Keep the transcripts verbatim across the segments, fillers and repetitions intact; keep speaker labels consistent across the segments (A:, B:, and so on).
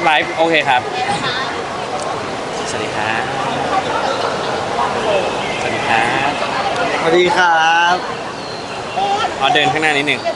A: ไลฟ์โอเคครับสวัสดีครับสวัสดีครับ
B: สวัสดีครับ
A: เอาเดินข้างหน้านิดหนึ่ง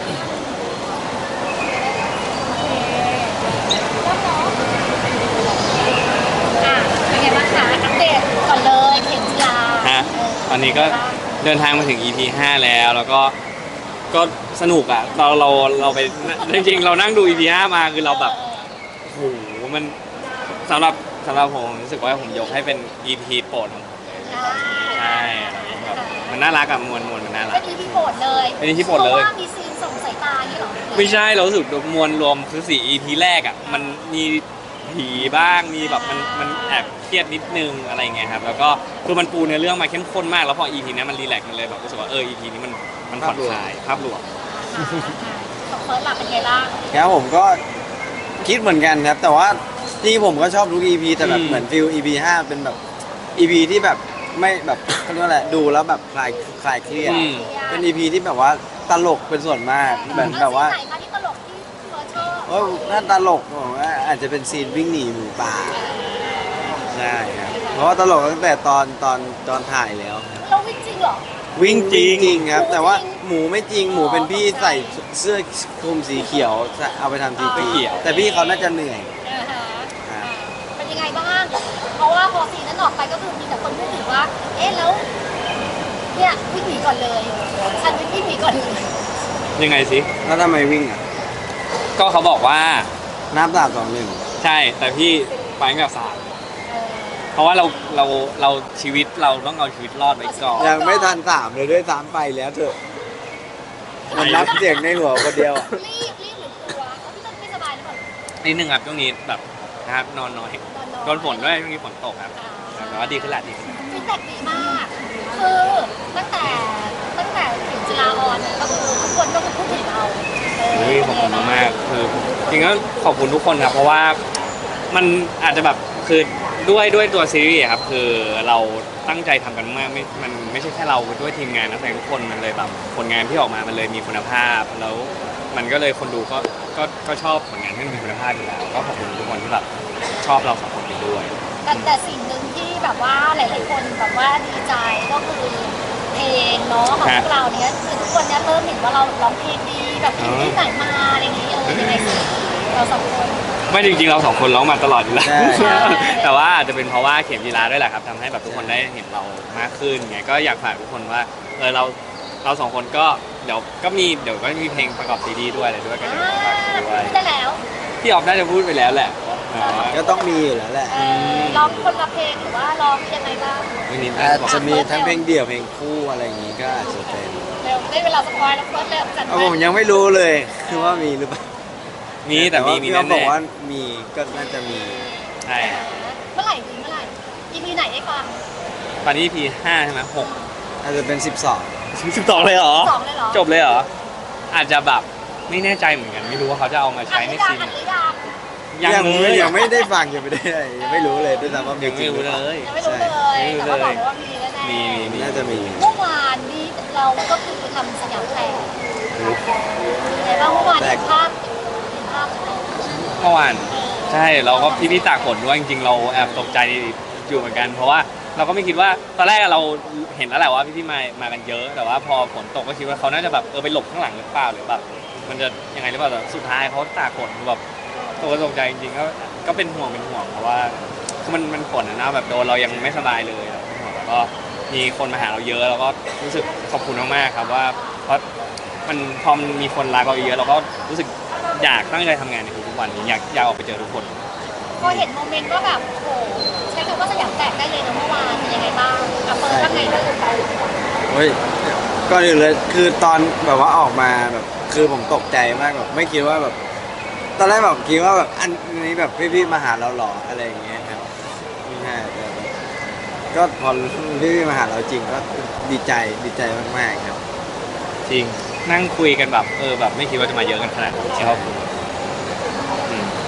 C: เป็นไงบ้างคะอัปเดตก่อนเลยเข็มจีรา
A: ฮะตอนนี้ก็เดินทางมาถึง อี พี ห้าแล้วแล้วก็ก็สนุกอ่ะเราเราเราไปจริงๆเรานั่งดู อี พี ห้ามาคือเราแบบโอ้โหมันสำหรับสำหรับผมรู้สึกว่าผมยกให้เป็น อี พี โปรดของผมเลยใช่แบบมันน่ารักอะมวลมวลมันน่ารั
C: เป็
A: ก
C: น อี พี โปรดเลย
A: เป็น อี พี โปรดเลย
C: พราะว่ามีซีนส่งสายตาอย่างนี้หรอ
A: ไม่ใช่เรารู้สึกมวลรวมคือสี่ อี พี แรกอ่ะมันมีผีบ้างมีแบบมันมันแอบเครียดนิดนึงอะไรเงี้ยครับแล้วก็คือมันปูเนื้อเรื่องมาเข้มข้นมากแล้วพอ อี พี นี้มันรีแลกซ์มันเลยแบบรู้สึกว่าเออ อี พี นี้มันมันผ่อนคลายภาพรวม
C: ของเฟิร์สหลับเป็นไงบ้าง
B: ครับผมก็คิดเหมือนกันครับแต่ว่าที่ผมก็ชอบทุก อี พี แต่แบบเหมือนฟิล อี พี ห้าเป็นแบบ อี พี ที่แบบไม่แบบเขาเรียกว่าอะไรดูแล้วแบบคลายคลายเครียดเป็น อี พี ที่แบบว่าตลกเป็นส่วนมากแบบแบบว่า
C: ซีนไหนคะที่ตลกที่เฟิร์สชอบ
B: โอ้น่าตลกผมว่าอาจจะเป็นซีนวิ่งหนีหมูป่าใช่ครับเพราะว่าตลกตั้งแต่ตอนตอนตอนถ่ายแล้วครับ
C: เราวิ่งจริงเหรอ
B: วิ่งจริงจริงครับ แต่ว่าหมูไม่จริงหมูเป็นพี่ใส่เสื้อคลุมสีเขียวเอาไปทำทีพีแต่พี่เขาน่าจะเหนื่อย
C: อ่าฮะ
B: ครับ
C: เป็นยังไงบ้างเพราะว่าพอซีนนั้นออกไปก็คือมีแต่คนพูดถึงว่าเอ๊ะแล้วเนี่ยวิ่งหนีก่อนเลยฉันวิ่งหนีก่อนเลย
A: ยังไงสิ
B: แล้วทำไมวิ่งอ่ะ
A: ก็เขาบอกว่า
B: น้ำสามสองหนึ่ง
A: ใช่แต่พี่ไปตั้งแต่สาม
C: เออ
A: เพราะว่าเราเราเราชีวิตเราต้องเอาชีวิตรอดไว้ก่อน
B: ยังไม่ทันสามเลยด้วยสามไปแล้วเถอะมันนับเสียงในหัวคนเดียวอะ
C: รีบรีบหรือกลัวเขาพี่ต้นไม่สบายหรือเปล่า
A: นิดนึงครับช่วงนี้แบบนะครับนอนน้อย
C: นอนน้อย
A: โดนฝนด้วยช่วงนี้ฝนตกครับแต่ว่าดีขึ้นละดีขึ้นละ
C: ฟีดแบ็กดีมาก คือตั้งแต่ตั้งแต่ถึงจุฬาออนก็คือทุกคนก็คือพูดถึงเราเออ
A: เฮ้ยขอบคุณมากๆคือจริงๆก็ขอบคุณทุกคนครับเพราะว่ามันอาจจะแบบคือด้วยด้วยตัวซีรีส์อะครับคือเราตั้งใจทำกันมากไม่มันไม่ใช่แค่เราด้วยทีมงานนักแสดงทุกคนมันเลยแบบผลงานที่ออกมามันเลยมีคุณภาพแล้วมันก็เลยคนดูก็ก็ก็ชอบผลงานที่มีคุณภาพอยู่แล้วก็ขอบคุณทุกคนที่แบบชอบเราสองคนไปด้วย
C: แต่แต่สิ่งหนึ่งที่แบบว่าหลายๆคนแบบว่าดีใจก็คือเพลงเนาะของพวกเราเนี้ยคือทุกคนเนี้ยเริ่มเห็นว่าเราร้องเพลงดีแบบเพลงที่ไหนมาอะไรอย่างนี้เออยังไงสิเราสองคน
A: ไม่จริงๆเราสองคนร้องมาตลอดอยู่แล้ว
B: ใช่
A: แต่ว่าอาจจะเป็นเพราะว่าเข็มจีราด้วยแหละครับทำให้แบบทุกคนได้เห็นเรามากขึ้นไงก็อยากฝากทุกคนว่าเออเราเราสองคนก็เดี๋ยวก็มีเดี๋ยวก็มีเพลงประกอบซีดีด้วยอะไรด้วยก็
C: อ่า
A: เดี๋ยวฝากด้วย
C: ได้แล้ว
A: พี่ออฟน่าจะพูดไปแล้วแหละอ๋อ
B: ก็ต้องมีอยู่แล้วแหละ
C: เออร้องคนละเพลงหรือว่าร้องยังไงบ้าง
A: วันนี้
B: อาจจะมีทั้งเพลงเดี่ยวเพลงคู่อะไรอย่างงี้ก็อาจจะเป็น
C: เร็วได้เวลาสปอยแล้วเฟิร์สเร็วจัด
B: เอา
C: ไป
B: ผมยังไม่รู้เลยคือว่ามีหรือเปล่า
A: มีแต่มี
B: ว่า
A: มี
B: พี่
A: แน่
B: เขาบอกว่ามีก็น่าจะมี
A: ๆใช่
C: เมื่อไหร่ดีเมื่อไหร่ อี พี ไหนได้ฟัง
A: ตอนนี้พีห้าใช่ไหมหก
B: อาจจะเป็นสิบสอง
A: สิบสองเลยเหรอ
C: สองเลยเหรอ
A: จบเลยเหรออาจจะแบบไม่แน่ใจเหมือนกันไม่รู้ว่าเขาจะเอามา
C: อั
A: ใช้
C: น
A: ใน
C: นี้ดั
A: ซี
C: ง
A: น
C: อัน
A: ไหน
C: นี้ดัง
A: ยังเลย
B: ยังไม่ได้ฟังยังไม่ได้อะไรยังไม่รู้เลยด้วยซ้ำว่ามี
A: ยัง
B: จริ
A: ไม่
B: งห
A: รู้
B: รือเป
A: เล
B: ล่าย
C: ยังไม่รู้เลย
A: ไม่รู้
C: แต่
A: เลย
C: ว่าบอกเลยว่ามีแน่ๆ
A: มีมีมี
B: น่าจะมี
C: เมื่อวานนี้เราก็คือทำสยามแตกแต่ว่าเมื่อวานเห็นภาพเห็นภาพ
A: เมื่อวานใช่เราก็พี่พี่ตากฝนด้วยจริงๆเราแอบตกใจอยู่เหมือนกัน เพราะว่าเราก็ไม่คิดว่าตอนแรกเราเห็นแล้วแหละว่าพี่พี่มามากันเยอะ แต่ว่าพอฝนตกก็คิดว่าเขาน่าจะแบบเออไปหลบข้างหลังหรือเปล่าหรือแบบมันจะยังไงหรือเปล่าแต่สุดท้ายเขาตากฝนแบบตกตกใจจริงๆก็ก็เป็นห่วงเป็นห่วงเพราะว่าคือมันมันฝนนะแบบโดนเรายังไม่สบายเลยเป็นห่วงแล้วก็มีคนมาหาเราเยอะแล้วก็รู้สึกขอบคุณมากๆครับว่าเพราะมันพอมันมีคนรักเราเยอะเราก็รู้สึกอยากตั้งใจทำงานในทุกๆวันนี้อยากอยากออกไปเจอทุกคน
C: พอเห็นโมเมนต์ก็แบบโอ้โหใช้คำว่าสยามแตกได้เลยนะเมื่อวานเป็นยังไงบ้างอ่ะเฟิร์สว่าไงบ้าง
B: เฮ้ยก่อนอื่นเลยคือตอนแบบว่าออกมาแบบคือผมตกใจมากแบบไม่คิดว่าแบบตอนแรกแบบคิดว่าแบบอันนี้แบบพี่ๆมาหาเราหรออะไรอย่างเงี้ยครับไม่ใช่แต่แบบก็พอพี่ๆมาหาเราจริงก็ดีใจดีใจมากๆครับ
A: จริงนั่งคุยกันแบบเออแบบไม่คิดว่าจะมาเยอะกันขนาดนี้ครับอืม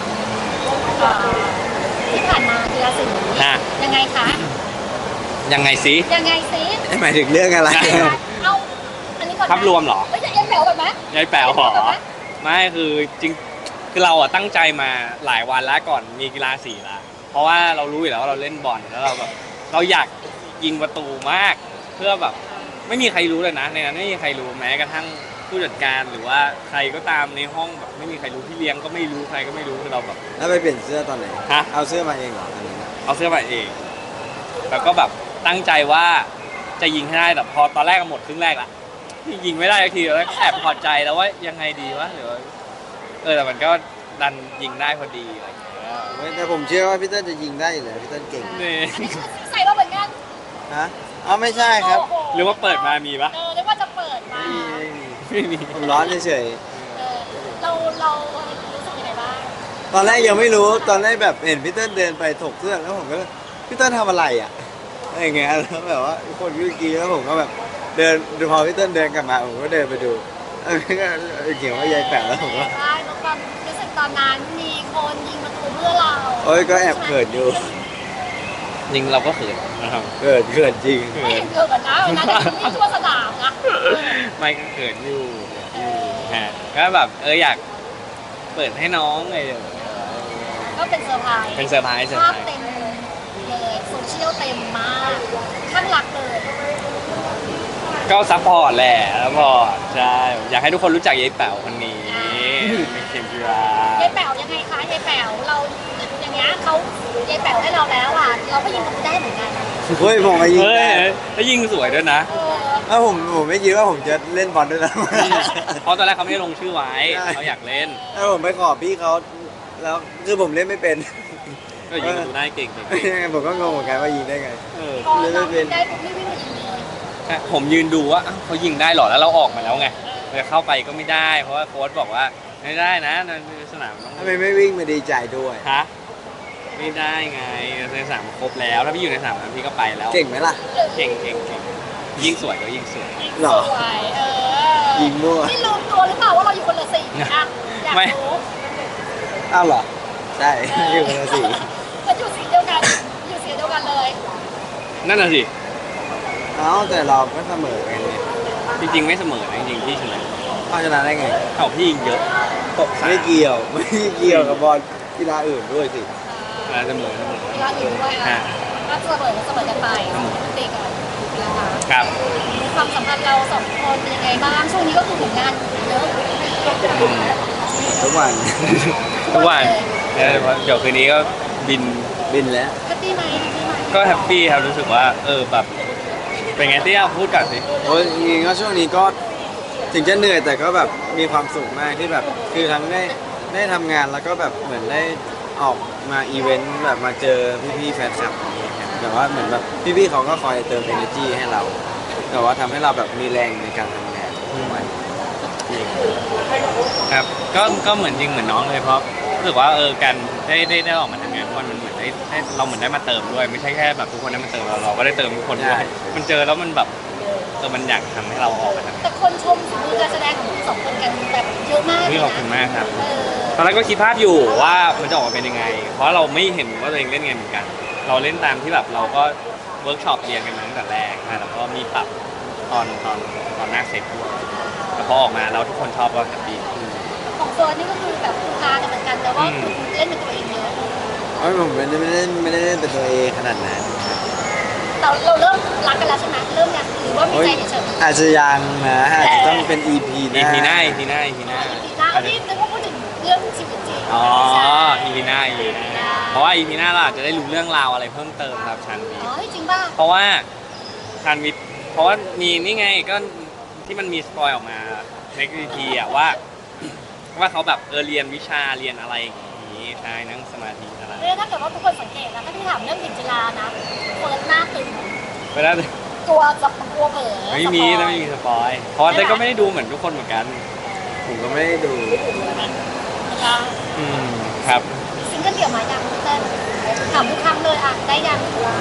C: ที่ผ่านมากีฬาสี
A: ฮะ
C: ยังไงคะ
A: ยังไงสิ
C: ยังไงซิ
B: หมายถึงเรื่องอะไร
C: เอาอันนี้ก่อนนะ
A: ภาพรวมเหรอ
C: ไม่ใช่ยังแถวก่อนไหม
A: ยายแป๋วเหรอไม่คือจริงคือเราอะตั้งใจมาหลายวันแล้วก่อนมีกีฬาสีละเพราะว่าเรารู้อยู่แล้วว่าเราเล่นบอลแล้วเราแบบเราอยากยิงประตูมาก เพื่อแบบไม่มีใครรู้เลยนะในนั้นไม่มีใครรู้แม้กระทั่งผู้จัดการหรือว่าใครก็ตามในห้องแบบไม่มีใครรู้พี่เลี้ยงก็ไม่รู้ใครก็ไม่รู้คือเราแบบ
B: แล้วไปเปลี่ยนเสื้อตอนไหน
A: ฮะ
B: เอาเสื้อมาเองเหรออันนี้นะ
A: เอาเสื้อมาเอง แล้วก็แบบตั้งใจว่าจะยิงให้ได้แต่พอตอนแรกก็หมดครึ่งแรกละยิงไม่ได้สักทีแล้วแอบพอใจแล้วว่ายังไงดีวะหรือว่าเออแต่มันก็ดันยิงได้พอดีอะไรอย่างเงี้ย
B: เว้ยแต่ผมเชื่อว่าพี่เต้นจะยิงได้อยู่แล้วพี่เต้นเก่ง
A: นี่
C: ใส่มาเหมือนกัน
B: ฮะอ๋อไม่ใช่ครับ
C: โโ
A: หรือว่าเปิดมามีปะ
C: เออเรียกว่าจะเปิดมา
B: ไม่มีไม่มี
A: ไม่มี
B: ผมร้อนเฉย
C: เออเราเรารู้สึกยังไงบ้าง
B: ๆตอนแรกยังไม่รู้ตอนแรกแบบเห็นพี่เต้นเดินไปถกเสื้อแล้วผมก็พี่เต้นทำอะไรอ่ะอะไรอย่างเงี้ยแล้วแบบว่าคนวิ่งกีแล้วผมก็แบบเดินดูพอพี่เต้นเดินกลับมาผมก็เดินไปดูเออเขียนว่ายายแปะแล้วผมก็
C: ใช่แล้วความรู้สึกตอนนั้นมีคนยิงประตูเพื่อเรา
B: โอ้ยก็แอบเขินอยู่
A: ยิงเราก็เขินนะครับ
B: เขินเขินจริง
C: ไม่เห็นเกิดกันนะวันนั้นนี่ทั่วสนามนะ
A: ไม่ก็เขินอยู่ฮะก็แบบเอออยากเปิดให้น้องไง
C: ก็เป็นเซอร์ไพรส์
A: เป็นเซอร์ไพรส์เซอร์
C: ภาพ
A: ไพรส์
C: เต็มเลยโซเชียลเต็มมากข้างหลักเลย
A: ก็ซัพพอร์ตแหละซัพพอร์ตใช่อยากให้ทุกคนรู้จักยายแป๋วคนนี้เป็นเข็มจีราย
C: ายแป๋วยังไงคะยายแป๋วเราอย่างเงี้ยเขายายแป๋วให้เราแล้วอ่ะเราก็ยิงประตูได้เหมือนกัน
B: เฮ้ยผมมายิง
A: เฮ้ย
B: ได้
A: แล้วยิงสวยด้วยนะ
C: เออ
B: แล้วผมผมไม่คิดว่าผมจะเล่นบอลด้วยนะ
A: เพราะตอนแรกเขาไม่ได้ลงชื่อไว้
B: ใช่
A: เขาอยากเล่น
B: แล้วผมไปขอพี่เขาแล้วคือผมเล่นไม่เป็น
A: ก็ยิงประตูได้เก่งเก่ง
B: ผมก็งงเหมือนกันว่ายิงได้ไง
A: เออ
C: พอเรายิงได้ปุ๊บนี่วิ่งมายิงเลย
A: ใช่ผมยืนดูว่าอ้าวเขายิงได้เหรอแล้วเราออกมาแล้วไงจะเข้าไปก็ไม่ได้ เพราะว่าโค้ชบอกว่าไม่ได้นะในสนามต้อง
B: ทำไมไม่วิ่งมาดีใจด้วย
A: ฮะไม่ได้ไงในสนามครบแล้วถ้าพี่อยู่ในสนามนั้นพี่ก็ไปแล้ว
B: เก่งไหมล่ะ
A: เก่งเก่งเก่งยิงสวยก็ยิงสวย
B: หรอ
C: สวยเออ
B: ยิงมั่ว
C: นี่ลืมตัวหรือเปล่าว่าเราอยู่คนละสีอ่ะอยาก
A: ไม่
C: รู้
B: อ้าวเหรอ ใช่ อยู่คนละสี
C: ก็อยู่สีเดียวกันอยู่สีเดียวกันเลย
A: นั่นน่ะสิ
B: เอ้าแต่เราก็เสมอกันไง
A: จริงๆไม่เสมอนะจริงๆพี่ชนะ
B: เอาชนะได้ไง
A: เอ้าพี่ยิงเยอะตกสาม
B: ไม่เกี่ยว ไม่เกี่ยวกับบอลกีฬาอื่นด้วยสิ
A: อ่าเสมอเสมอ
C: เวลาอื่นด้วยอ่ะ
A: ฮะ
C: ก็เสมอเสมอกันไปตีกันนะคะ
A: ครับ
C: ความสัมพันธ์เราสองคนเป็นยังไงบ้างช่วงนี้ก็คือผลงานเยอะ
B: ทุกวัน
A: ทุกวันเนี่ยเดี๋ยวคืนนี้ก็บิน
B: บินแล้ว
C: แฮปปี้ไหมแฮปปี้ไหม
A: ก็แฮปปี้ครับรู้สึกว่าเออแบบเป็นไงที่เอาพูดกันสิ
B: โอ้ยจริงๆก็ช่วงนี้ก็ถึงจะเหนื่อยแต่ก็แบบมีความสุขมากที่แบบคือทั้งได้ได้ทำงานแล้วก็แบบเหมือนได้ออกมาอีเวนต์แบบมาเจอพี่ๆแฟนคลับอย่างเงี้ยครับแบบว่าเหมือนแบบพี่ๆเขาก็คอยเติม energy ให้เราแต่ว่าทำให้เราแบบมีแรงในการทำงานทุกวัน
A: ครับก็ก็เหมือนจริงเหมือนน้องเลยเพราะรู้สึกว่าเออการได้ได้ได้ออกมาทำงานทุกวันมันเหมือนได้ได้เราเหมือนได้มาเติมด้วยไม่ใช่แค่แบบทุกคนได้มาเติมเราเราก็ได้เติมทุกคนด้วยมันเจอแล้วมันแบบเออมันอยากทำให้เราออกมาทำงาน
C: แต่คนชมฝีมือการแสดงของทั้งสองคนกันแบบเยอะมากเล
A: นี่
C: ย
A: ขอบคุณ
C: นะ
A: มากครับ
C: เออ
A: ตอนแรกก็คิดภาพอยู่ว่ามันจะออกมาเป็นยังไง เพราะเราไม่เห็นว่าตัวเองเล่นไงเหมือนกัน เราเล่นตามที่แบบเราก็เวิร์กช็อปเรียนกันมาตั้งแต่แรกนะแล้วก็มีปรับตอนตอนตอนหน้าเสร็จด้วยแต่พอออกมาเราทุกคนชอบก็แฮปปี้
C: ของเฟิร์นนี่ก็คือแบบคุณพากันเหมือนกันแต่ว่าคุณเล่นเป็นตัวเองเยอะ
B: เอ้ยผมไม่ได้ไม่ได้ไม่ได้เล่นเป็นตัวเองขนาดนั้น
C: เราเราเริ่มรักกันแล้วใช่ไหมเริ่มยังหรือว่ามี
B: โอ้ย
C: ใจเฉยๆ
B: อาจจะยังนะอาจจะต้องเป็น อี พี ห
A: อี
B: น้า
A: พีหน้าอีพีหน้าอีพีหน้า
C: อีพีหน้าอันนี้นึกว่าพูดถึงเรื่องชีวิตจริง
A: อ๋ออีพีหน้าอีพีหน้าเพราะว่าอีพีหน้าเราอาจจะได้รู้เรื่องราวอะไรเพิ่มเติมครับชันวี
C: อ๋อจริงป่ะ
A: เพราะว่าชันวีเพราะว่ามีนี่ไงก็ที่มันมีสปอยออกมาในอีพีอะว่า ว่าเขาแบบเออเรียนวิชาเรียนอะไรอย่างนี้ใช่นั่งสมาธิอะไร
C: เรื่องถ้าเกิดว่าทุกคนสังเกตนะถ้าพี่ถามเรื่องเข็มจีรานะเฟิร์นหน้าตึง
A: ไปแล้ว
C: ตัวจะกลัวเผลอ
A: ไม่มีนะไม่มีสปอยเพราะว่าเต้ยก็ไม่ได้ดูเหมือนทุกคนเหมือนกัน
B: ผมก็ไม่ได้ดู
C: นะคะ
A: อืมครับ
C: ซิงเกิลเดี่ยวมายังเต้นถามทุกครั้งเลยอ่ะได้ยัง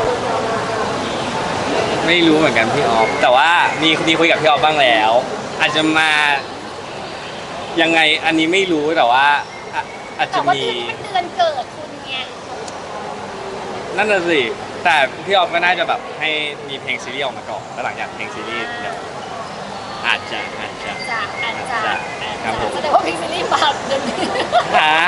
A: ไม่รู้เหมือนกันพี่ออฟแต่ว่ามีมีคุยกับพี่ออฟบ้างแล้ว อาจจะมายังไงอันนี้ไม่รู้แต่ว่าอ่ะอาจ
C: แต่
A: จะ
C: ว่า
A: มี
C: เดือนเป็นเดือนเกิดคุณไง
A: นั่นน่ะสิแต่พี่ออฟก็น่าจะแบบให้มีเพลงซีรีส์ออกมาก่อนแล้วหลังจากเพลงซีรีส์เดี๋ยวอาจจะอาจจะ
C: จะอาจจะ
A: ครับผม
C: แสดงว่าเพลงซีรีส์เปล่าเดี๋ยวนี้
A: หา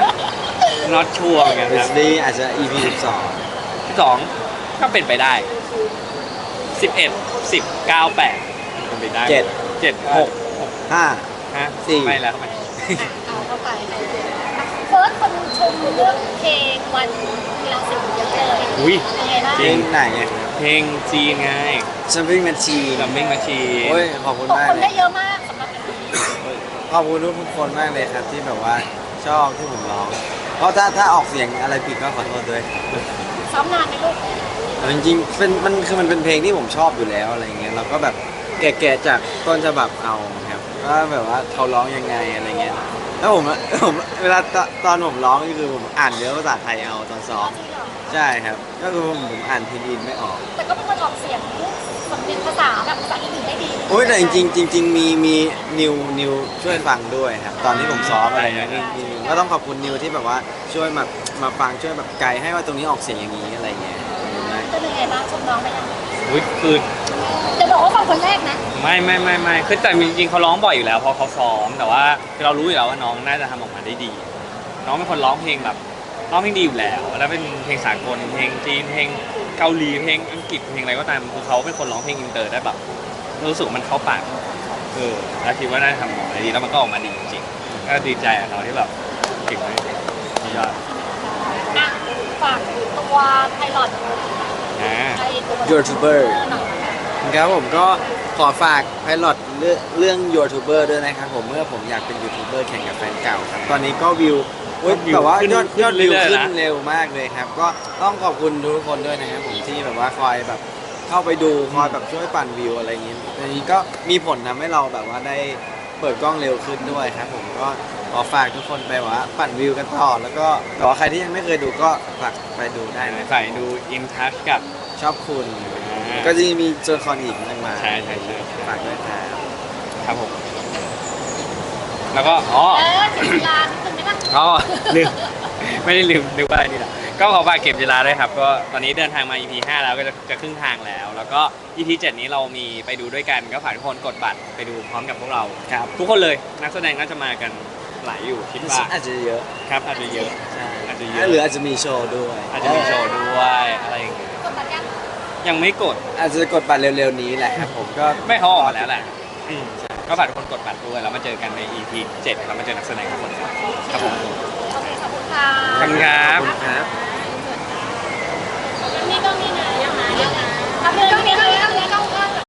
A: not sure เหมือนกัน
B: เบ
A: ครั
B: ส
A: บ
B: ดี้อาจจะ อี พี สิบสอง
A: สองก็เป็นไปได้สิบเอ็ดสิบเก้าแปดเป็นไปได้
B: เจ็ด
A: เจ็ดหก
B: ห้า
A: ฮะ
B: สี่
A: ไม่แล้วไม่
C: เอาเข้าไปเฟิร์สคนชมเรื่องเพลงวันกีฬาสีเยอะเลย
A: อุ้ย
C: เป็นไงบ้าง
B: เพลงไหนไง
A: เพลงจีนไง
B: ซัมปิ้งแมชชี
A: ลัมบิ้งมาชี
B: โอ้ยขอบคุณ
C: ตก
B: มาก
C: คน
B: เล
C: ได้
B: ย
C: เยอะมากสำหรับอันนี้
B: ขอบคุณทุกคนมากเลยครับที่แบบว่าชอบที่ผมร้อง เพราะถ้าถ้าออกเสียงอะไรผิดก็ขอโทษด้วย
C: ซ้อมนานไหมลูก
B: แต่จริงๆเป็นมันคือมันเป็นเพลงที่ผมชอบอยู่แล้วอะไรเงี้ยเราก็แบบแกะๆจากต้นฉบับเอาครับว่าแบบว่าเขาร้องยังไงอะไรเงี้ยแล้วผมผมเวลาตตอนผมร้องนี่คือผมอ่านเนื้อภาษาไทยเอาตอนซ้อม
C: จริงเหรอ
B: ใช่ครับก็คือผมผมอ่านพินอินไม่ออก
C: แต่ก็เป็นคนออกเสียงสำเนียงภาษาแบบภาษาอังกฤษได้ดี
B: โอ้ยแต่จริงๆจริง ๆ มีมีนิวนิวช่วยฟังด้วยครับตอนที่ผมซ้อมอะไรเงี้ยมีก็ต้องขอบคุณนิวที่แบบว่าช่วยมามาฟังช่วยแบบไกด์ให้ว่าตรงนี้ออกเสียงอย่างนี้อะไรเงี้ยขอบคุณมาก
C: เป็นยังไงบ้างชมน้องไปยัง
A: อุ้ยคือ
C: จะบอกว่าฟังคนแรกนะ
A: ไม่ไม่ไม่ไม่คือแต่จริงๆเขาร้องบ่อยอยู่แล้วเพราะเขาซ้อมแต่ว่าคือเรารู้อยู่แล้วว่าน้องน่าจะทำออกมาได้ดี น้องเป็นคนร้องเพลงแบบร้องเพลงดีอยู่แล้ว แล้วเป็นเพลงสากลเพลงจีนเพลงเกาหลีเพลงอังกฤษเพลงอะไรก็ตามคือเขาเป็นคนร้องเพลงอินเตอร์ได้แบบรู้สึกว่ามันเข้าปากเออแล้วคิดว่าน่าจะทำออกมาได้ดีแล้วมันก็ออกมาดีจริงๆก็ดีใจกับเขาที่แบบเก่งมากยอด
C: อ่ะฝากตัวไพลอต
A: นะ
C: ไอตัว
B: YouTuber
C: หน่อย
B: ครับผมก็ขอฝากไพลอตเรื่องเรื่องยูทูบเบอร์ด้วยนะครับผมเมื่อผมอยากเป็นยูทูบเบอร์แข่งกับแฟนเก่าครับตอนนี้ก็วิวอุ๊ยแบบว่ายอดยอดวิวขึ้นเร็วมากเลยครับ ก็ต้องขอบคุณทุกคนด้วยนะครับผมที่แบบว่าคอยแบบเข้าไปดูคอยแบบช่วยปั่นวิวอะไรอย่างนี้อันนี้ก็มีผลทำให้เราแบบว่าได้เปิดกล้องเร็วขึ้นด้วยครับผมก็ขอฝากทุกคนไปว่าปั่นวิวกันต่อแล้วก็แต่ว่าใครที่ยังไม่เคยดูก็ฝากไปดูได้นะ
A: ใส่ดูอินทัชกับ
B: ชอบคุณ
A: อ่า
B: ก็จะมีตัวละครอีกมากมาย
A: ใช่ใช่ใช่
B: ฝากด้วยครับ
A: ครับผมแล้วก็อ๋อ
C: เออเจ็ดเวลานิดนึงไหมล่ะ
A: อ๋อลืม ไม่ได้ลืมนึกว่าอะไรนี่แหละก็ขอฝากเก็บเวลาด้วยครับก็ตอนนี้เดินทางมา อี พี ห้าแล้วก็จะจะครึ่งทางแล้ว แล้วก็ อี พี เจ็ดนี้เรามีไปดูด้วยกันก็ฝากทุกคนกดบัตรไปดูพร้อมกับพวกเรา
B: ครับ
A: ทุกคนเลยนักแสดงน่าจะมากันหลายอยู่คิดว่า
B: อาจจะเยอะ
A: ครับอาจจะเยอะ
B: ใช่
A: อาจจะเยอะ
B: หรืออาจจะมีโชว์ด้วย
A: อาจจะมีโชว์ด้วยอะไรอย่างเงี้ย
C: กดบัตรยัง
A: ยังไม่กด
B: อาจจะกดบัตรเร็วๆนี้แหละครับผมก็
A: ไม่เขาออกมาแล้วแหละอืมใช่ก็ฝากทุกคนกดบัตรด้วยแล้วมาเจอกันใน อี พี เจ็ดแล้วมาเจอนักแสดงทุกคนครับครับผม
C: โอเคขอบคุณค่ะ
A: ขอบคุณครับ
B: ขอบคุณครับ
C: นี่ก็มีนะยังไงยังไงทำเรื่องนี้ก็เรื่องนี้ก็